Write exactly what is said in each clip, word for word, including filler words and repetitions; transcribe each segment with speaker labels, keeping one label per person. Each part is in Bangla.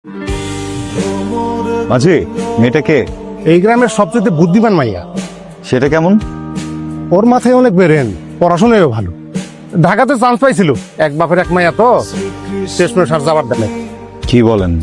Speaker 1: মাঝি, মেয়েটা কে?
Speaker 2: এই গ্রামের সবচেয়ে বুদ্ধিমান মাইয়া।
Speaker 1: সেটা কেমন?
Speaker 2: ওর মাথায় অনেক বেরেন, পড়াশোনায়ও ভালো। ঢাকাতে চান্স পাইছিল, এক বাপের এক মাইয়া তো শেষ করে সার যাবার দেনে।
Speaker 1: কি বলেন?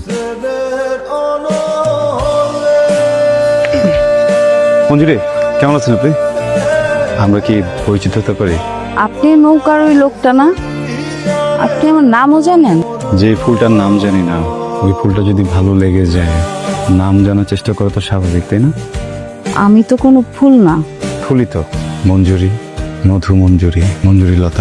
Speaker 1: মঞ্জুরি, কেমন আছেন আপনি? আমরা কি পরিচিত হতে পারি?
Speaker 3: আপনি নৌকার ওই লোকটা না? আপনি আমার নামও জানেন?
Speaker 1: যে ফুলটার নাম জানি না, ওই ফুলটা যদি ভালো লেগে যায়, নাম জানার চেষ্টা করা তো স্বাভাবিক, তাই না?
Speaker 3: আমি তো কোনো ফুল না।
Speaker 1: ফুলই তো। মঞ্জুরি, মধু মঞ্জুরি, মঞ্জুরি লতা।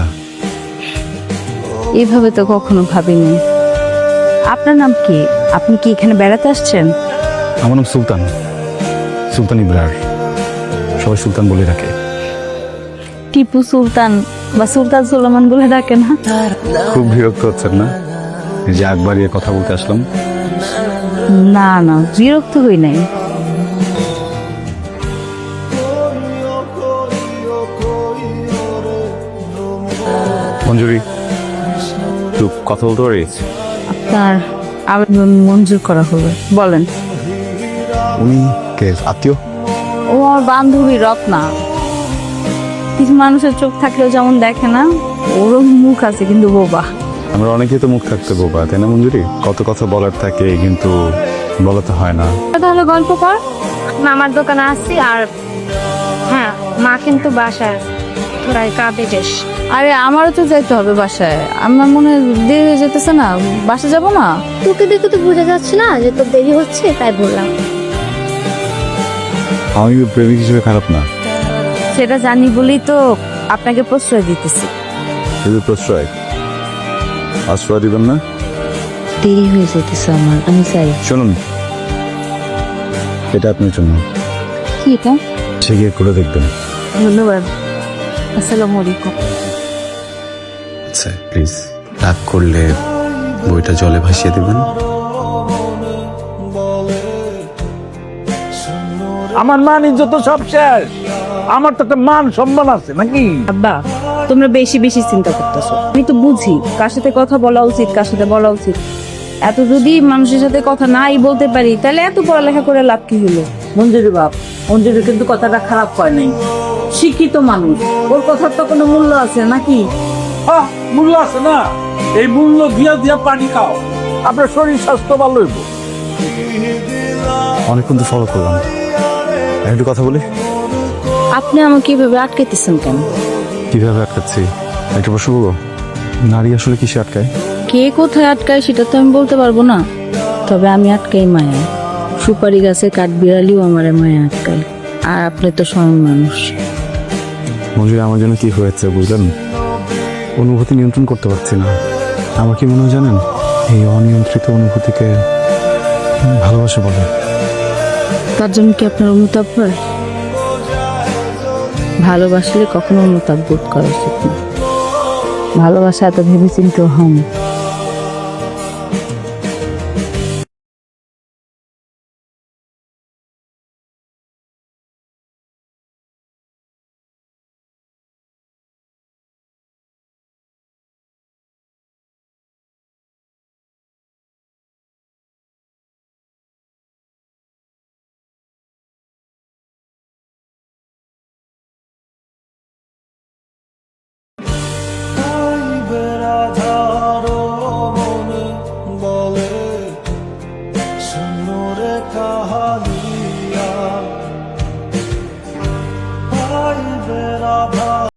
Speaker 3: এইভাবে তো কখনো ভাবিনি। আপনার নাম কি? আপনি কি এখানে বেড়াতে আসছেন?
Speaker 1: আমার নাম সুলতান, সুলতান ইব্রার। সবাই সুলতান বলে রাখে।
Speaker 3: টিপু সুলতান বা সুলতান সুলেমান বলে ডাকে না?
Speaker 1: খুব বিরক্ত হচ্ছেন না এই যে আগ বাড়িয়ে কথা বলতে আসলাম?
Speaker 3: না না, বিরক্ত হই নাই।
Speaker 1: মঞ্জুরি, একটু কথা বলতে পারি?
Speaker 3: আপনার আবেদন মঞ্জুর করা হবে, বলেন।
Speaker 1: উনি কে? আত্মীয়?
Speaker 3: ও আমার বান্ধবী রত্না। কিছু মানুষের চোখ থাকলেও যেমন দেখে না, ওরও মুখ আছে কিন্তু বোবা।
Speaker 1: আমরা অনেকেই তো মুখ থাকতে বোবা, তাই না মঞ্জুরি? কত কথা বলার থাকে কিন্তু বলাতে হয় না।
Speaker 3: তাহলে গল্প কর।
Speaker 4: মামার দোকানে আসছি আর হ্যাঁ মা কিন্তু বাসায় প্রায় কাঁদে বেশ।
Speaker 3: আরে আমারও তো যাইতে হবে বাসায়। আমার মনে হয় দেরি হয়ে যেতেছে না, বাসা যাব না?
Speaker 4: তোকে দেখে তো বোঝা যাচ্ছে না যে তোর দেরি হচ্ছে, তাই বললাম।
Speaker 1: আমি প্রেমিক হিসেবে খারাপ না,
Speaker 3: সেটা জানি বলেই তো আপনাকে প্রশ্রয় দিতেছি।
Speaker 1: শুধু প্রশ্রয়। আশ্রয় দিবেন না?
Speaker 3: দেরি হয়ে যেতেছে আমার, আমি চাই।
Speaker 1: শুনুন, এটা আপনার জন্য।
Speaker 3: কি এটা?
Speaker 1: সে গিয়ে করে দেখবেন।
Speaker 3: ধন্যবাদ। আসসালামু আলাইকুম।
Speaker 5: আচ্ছা প্লিজ, রাগ করলে বইটা জলে ভাসিয়ে দেবেন।
Speaker 6: আমার মান ইজ্জত তো সব শেষ। আমার তো একটা মান সম্মান আছে নাকি?
Speaker 7: আব্বা, তোমরা বেশি বেশি চিন্তা করতেছো। আমি তো বুঝি কার সাথে কথা বলা উচিত, কার সাথে বলা উচিত। এত যদি মানুষের সাথে কথা নাই বলতে পারি, তাহলে এত পড়ালেখা করে লাভ কি হলো?
Speaker 8: মঞ্জুরি বাপ, মঞ্জুরি কিন্তু কথাটা খারাপ হয় নাই। শিক্ষিত মানুষ, ওর কথার তো কোনো মূল্য আছে নাকি?
Speaker 6: হ্যাঁ, মূল্য আছে না? এই মূল্য দিয়া দিয়া পানি খাও, আপনার শরীর স্বাস্থ্য ভালো হইব।
Speaker 1: অনেকক্ষণ তো ফলো করলাম, একটু কথা বলি।
Speaker 3: আপনি আমাকে এভাবে আটকাইতেছেন কেন?
Speaker 1: কিভাবে আটকাচ্ছি? একটা প্রশ্ন করবো, নারী আসলে কিসে আটকায়?
Speaker 3: কে কোথায় আটকায় সেটা তো আমি বলতে পারবো না, তবে আমি আটকাই মায়া। সুপারি গাছে কাঠ বিড়ালিও আমার মায়া আটকায়, আর আপনি তো স্বয়ং মানুষ।
Speaker 1: মঞ্জুরি, আমার জন্য কি হয়েছে বুঝলেন? অনুভূতি নিয়ন্ত্রণ করতে পারছি না। আমার কি মনে হয় জানেন, এই অনিয়ন্ত্রিত অনুভূতিকে ভালোবাসা বলে।
Speaker 3: তার জন্য কি আপনার অনুতাপ হয়? ভালোবাসলে কখনো অনুতাপ বোধ করা উচিত না। ভালোবাসা এত ভেবে চিন্তে হয় না।
Speaker 9: বলে সুন্দর কাহানি